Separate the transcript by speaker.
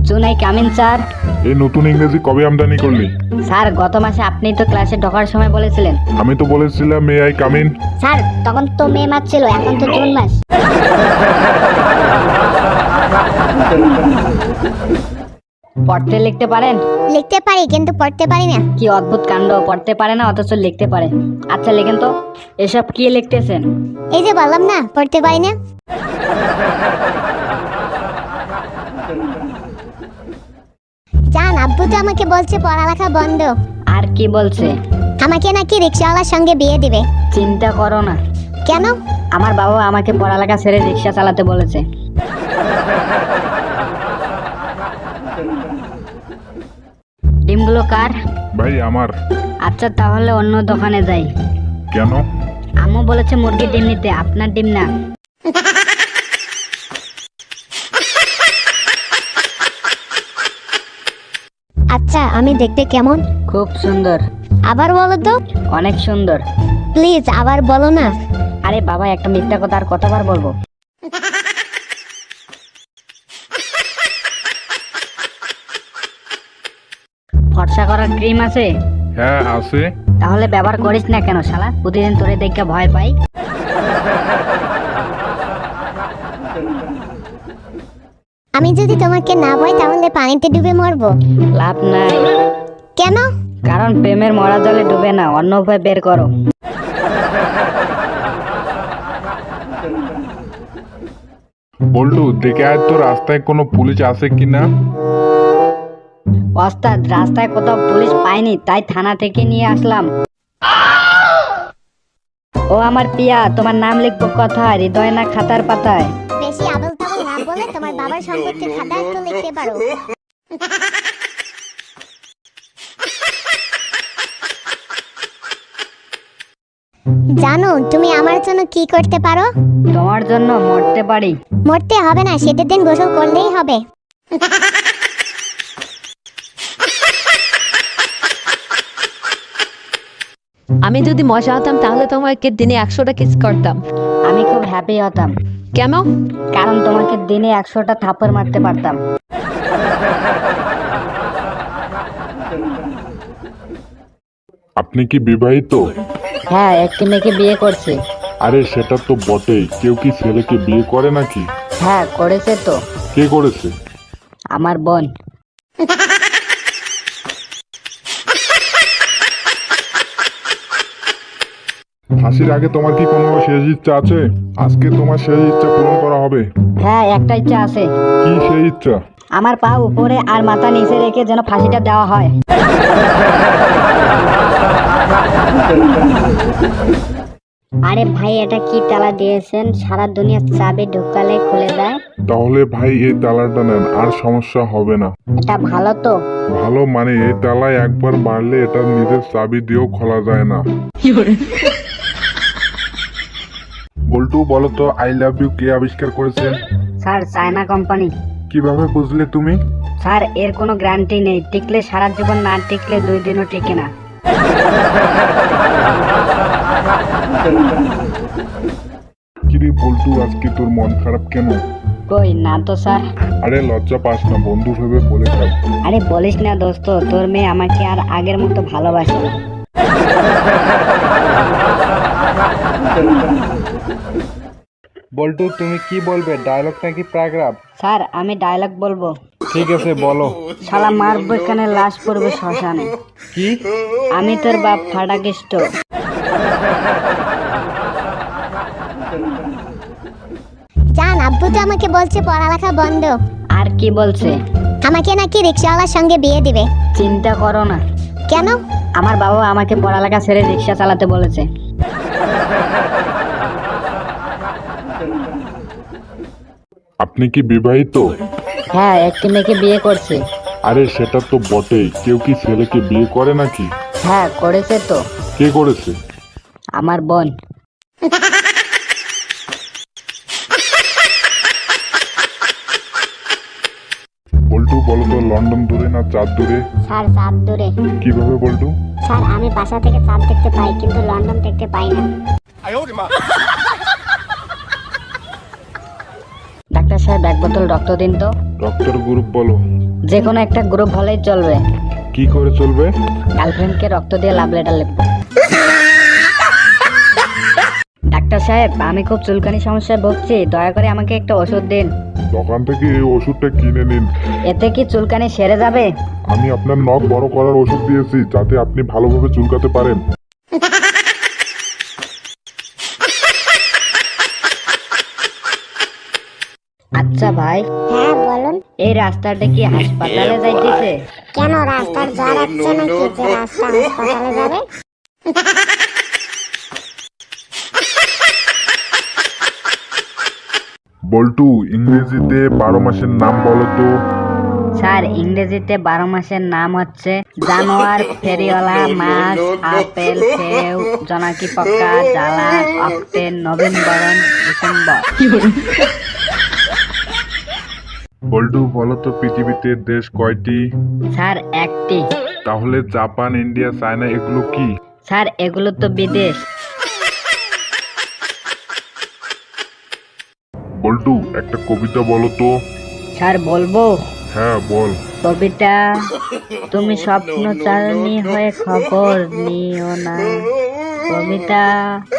Speaker 1: চুনাই come in sir.
Speaker 2: এই নতুন ইংরেজি কবে আমদানি করলি?
Speaker 1: স্যার গত মাসে আপনি তো ক্লাসে ঢোকার সময় বলেছিলেন।
Speaker 2: আমি তো বলেছিলাম মে আই কামিন।
Speaker 3: স্যার তখন তো মে মাস ছিল, এখন তো জুন মাস।
Speaker 1: পড়তে লিখতে পারেন?
Speaker 3: লিখতে পারি কিন্তু পড়তে পারি না।
Speaker 1: কি অদ্ভুত কাণ্ড, পড়তে পারে না অথচ লিখতে পারে। আচ্ছা লেখেন তো, এসব কি লিখতেছেন?
Speaker 3: এই যে বললাম না পড়তে পারি না। জান, আব্বু তো আমাকে বলছে পড়ালেখা বন্ধ।
Speaker 1: আর কি বলছে?
Speaker 3: আমাকে নাকি রিক্সাওয়ালার সঙ্গে বিয়ে দিবে।
Speaker 1: চিন্তা করো না।
Speaker 3: কেন?
Speaker 1: আমার বাবা আমাকে পড়ালেখা ছেড়ে রিক্সা চালাতে বলেছে। ডিমগুলো কার?
Speaker 2: ভাই আমার।
Speaker 1: আচ্ছা তাহলে অন্য দোকানে যাই।
Speaker 2: কেন?
Speaker 1: আম্মু বলেছে মুরগির ডিম নিতে, আপনার ডিম না।
Speaker 3: আচ্ছা আমি দেখতে কেমন?
Speaker 1: খুব সুন্দর।
Speaker 3: আবার বলো তো।
Speaker 1: অনেক সুন্দর।
Speaker 3: প্লিজ আবার বলো না।
Speaker 1: আরে বাবা, একটা মিথ্যা কথা আর কতবার বলবো? ফর্সা করার ক্রিম আছে?
Speaker 2: হ্যাঁ আছে।
Speaker 1: তাহলে ব্যবহার করিস না কেন শালা? প্রতিদিন তোরে দেখে ভয় পাই।
Speaker 3: আমি যদি তোমাকে না পাই তাহলে পানিতে ডুবে মরবো।
Speaker 1: লাভ নাই।
Speaker 3: কেন?
Speaker 1: কারণ প্রেমের মরা জলে ডুবে না, অন্য উপায় বের করো।
Speaker 2: বল্টু দেখে আয় তো রাস্তায় কোনো পুলিশ আছে কিনা।
Speaker 1: ওস্তাদ, রাস্তায় কোথাও পুলিশ পাইনি, তাই থানা থেকে নিয়ে আসলাম। ও আমার পিয়া, তোমার নাম লিখবো কোথায়? হৃদয় না খাতার পাতায়?
Speaker 3: বেশি আবল তাবল না বলে তোমার বাবার সম্পত্তির খাতায় তো লিখতে পারো। জানো তুমি আমার জন্য কি করতে পারো?
Speaker 1: তোমার জন্য মরতে পারি।
Speaker 3: মরতে হবে না, শীতের দিন গোসল করলেই হবে।
Speaker 4: আমি যদি মজা হতাম তাহলে তোমাকে দিনে 100টা কিস করতাম।
Speaker 1: আমি খুব হ্যাপি হতাম।
Speaker 4: কেন?
Speaker 1: কারণ তোমাকে দিনে 100টা থাপ্পড় মারতে পারতাম।
Speaker 2: আপনি কি বিবাহিত?
Speaker 1: হ্যাঁ, একটি মেয়েকে বিয়ে করছি।
Speaker 2: আরে সেটা তো বটেই, কেউ কি ছেলেকে বিয়ে করে নাকি?
Speaker 1: হ্যাঁ করেছে তো।
Speaker 2: কে করেছে?
Speaker 1: আমার বোন।
Speaker 2: ফাঁসির আগে তোমার কি কোনো শেষ ইচ্ছা আছে? আজকে তোমার শেষ ইচ্ছা পূরণ করা হবে।
Speaker 1: হ্যাঁ একটা ইচ্ছা আছে।
Speaker 2: কি সেই ইচ্ছা?
Speaker 1: আমার পা উপরে আর মাথা নিচে রেখে যেন ফাঁসিটা দেওয়া হয়।
Speaker 3: আরে ভাই এটা কি তালা দিয়েছেন? সারা দুনিয়া চাবি ঢুকালে খুলে যায়।
Speaker 2: তাহলে ভাই এই তালাটা নেন, আর সমস্যা হবে না।
Speaker 3: এটা ভালো তো।
Speaker 2: ভালো মানে এই তালায় একবার মারলে এটা নিজের চাবি দিয়েও খোলা যায় না। বল্টু বলো তো, আই লাভ ইউ কে আবিষ্কার করেছেন?
Speaker 1: Sir China company.
Speaker 2: কিভাবে বুঝলে তুমি?
Speaker 1: স্যার এর কোনো গ্যারান্টি নেই, টিকলে সারা জীবন, না টিকলে 2 দিনও টিকে না।
Speaker 2: কিরে বল্টু, আজকে তোর মন খারাপ কেন?
Speaker 1: কই না তো স্যার।
Speaker 2: আরে লজ্জা পাস না, বন্ধু ভেবে বলে থাক।
Speaker 1: আরে বলিস না দোস্ত, তোর মেয়ে আমাকে আর আগের মতো ভালোবাসে না।
Speaker 5: বল্টু তুমি কি বলবে, ডায়লগ নাকি প্যারাগ্রাফ?
Speaker 1: স্যার আমি ডায়লগ বলবো।
Speaker 5: ঠিক আছে বলো।
Speaker 1: শালা মারবো এখানে, লাশ পড়বে শ্মশানে।
Speaker 5: কি?
Speaker 1: আমি তোর বাপ ফাটাকেষ্ট।
Speaker 3: জান, আব্বু তো আমাকে বলছে পড়ালেখা বন্ধ।
Speaker 1: আর কি বলছে?
Speaker 3: আমাকে নাকি রিক্সাওয়ালার সঙ্গে বিয়ে দিবে।
Speaker 1: চিন্তা করো না।
Speaker 3: কেন?
Speaker 1: আমার বাবা আমাকে পড়ালেখা ছেড়ে রিক্সা চালাতে বলেছে।
Speaker 2: আপনি কি বিবাহিত?
Speaker 1: হ্যাঁ একটি মেয়েকে বিয়ে করছি।
Speaker 2: আরে সেটা তো বটেই, কেউ কি ছেলেকে বিয়ে করে নাকি?
Speaker 1: হ্যাঁ করেছে তো।
Speaker 2: কে করেছে?
Speaker 1: আমার বোন।
Speaker 2: বল্টু বলো তো, লন্ডন দূরে না চাঁদ দূরে?
Speaker 3: স্যার চাঁদ দূরে।
Speaker 2: কিভাবে বল্টু?
Speaker 3: স্যার আমি বাসা থেকে চাঁদ দেখতে পাই কিন্তু লন্ডন দেখতে পাই না।
Speaker 1: ডাক্তার সাহেব 1 বোতল রক্ত দিন তো।
Speaker 2: ডক্টর গ্রুপ বলো।
Speaker 1: যে কোনো একটা গ্রুপ হলেই চলবে।
Speaker 2: কি করে চলবে?
Speaker 1: গার্লফ্রেন্ডকে রক্ত দিয়ে লাভ লেটার লিখবো। ডাক্তার সাহেব, আমি খুব চুলকানি সমস্যায় ভুগছি, দয়া করে আমাকে একটা ওষুধ দিন।
Speaker 2: দোকান থেকে এই ওষুধটা কিনে নিন।
Speaker 1: এতে কি চুলকানি সেরে যাবে?
Speaker 2: আমি আপনার নখ বড় করার ওষুধ দিয়েছি যাতে আপনি ভালোভাবে চুলকাতে পারেন।
Speaker 1: আচ্ছা ভাই,
Speaker 3: হ্যাঁ বলুন।
Speaker 1: এই রাস্তাটা কি হাসপাতালে যাইতেছে?
Speaker 3: কেন রাস্তার জ্বর হচ্ছে নাকি যে রাস্তা হাসপাতালে যাবে?
Speaker 2: বল্টু, ইংরেজিতে 12 মাসের নাম বলো তো।
Speaker 1: স্যার, ইংরেজিতে 12 মাসের নাম হচ্ছে জানুয়ার, ফেরিওয়ালা, মাস, আপেল, সেও, জোনাকি পোকা, জ্বালা, অক্টেন, নভেম্বর, ডিসেম্বর।
Speaker 2: বল্টু, বলো তো পৃথিবীতে দেশ কয়টি?
Speaker 1: স্যার, একটি।
Speaker 2: তাহলে জাপান, ইন্ডিয়া, চায়না এগুলো কি?
Speaker 1: স্যার, এগুলো তো বিদেশ।
Speaker 2: বল্টু, একটা কবিতা বলো তো।
Speaker 1: স্যার, বলবো?
Speaker 2: হ্যাঁ বল।
Speaker 1: কবিতা: তুমি স্বপ্ন চালনি হয়ে খবর নিও না। কবিতা: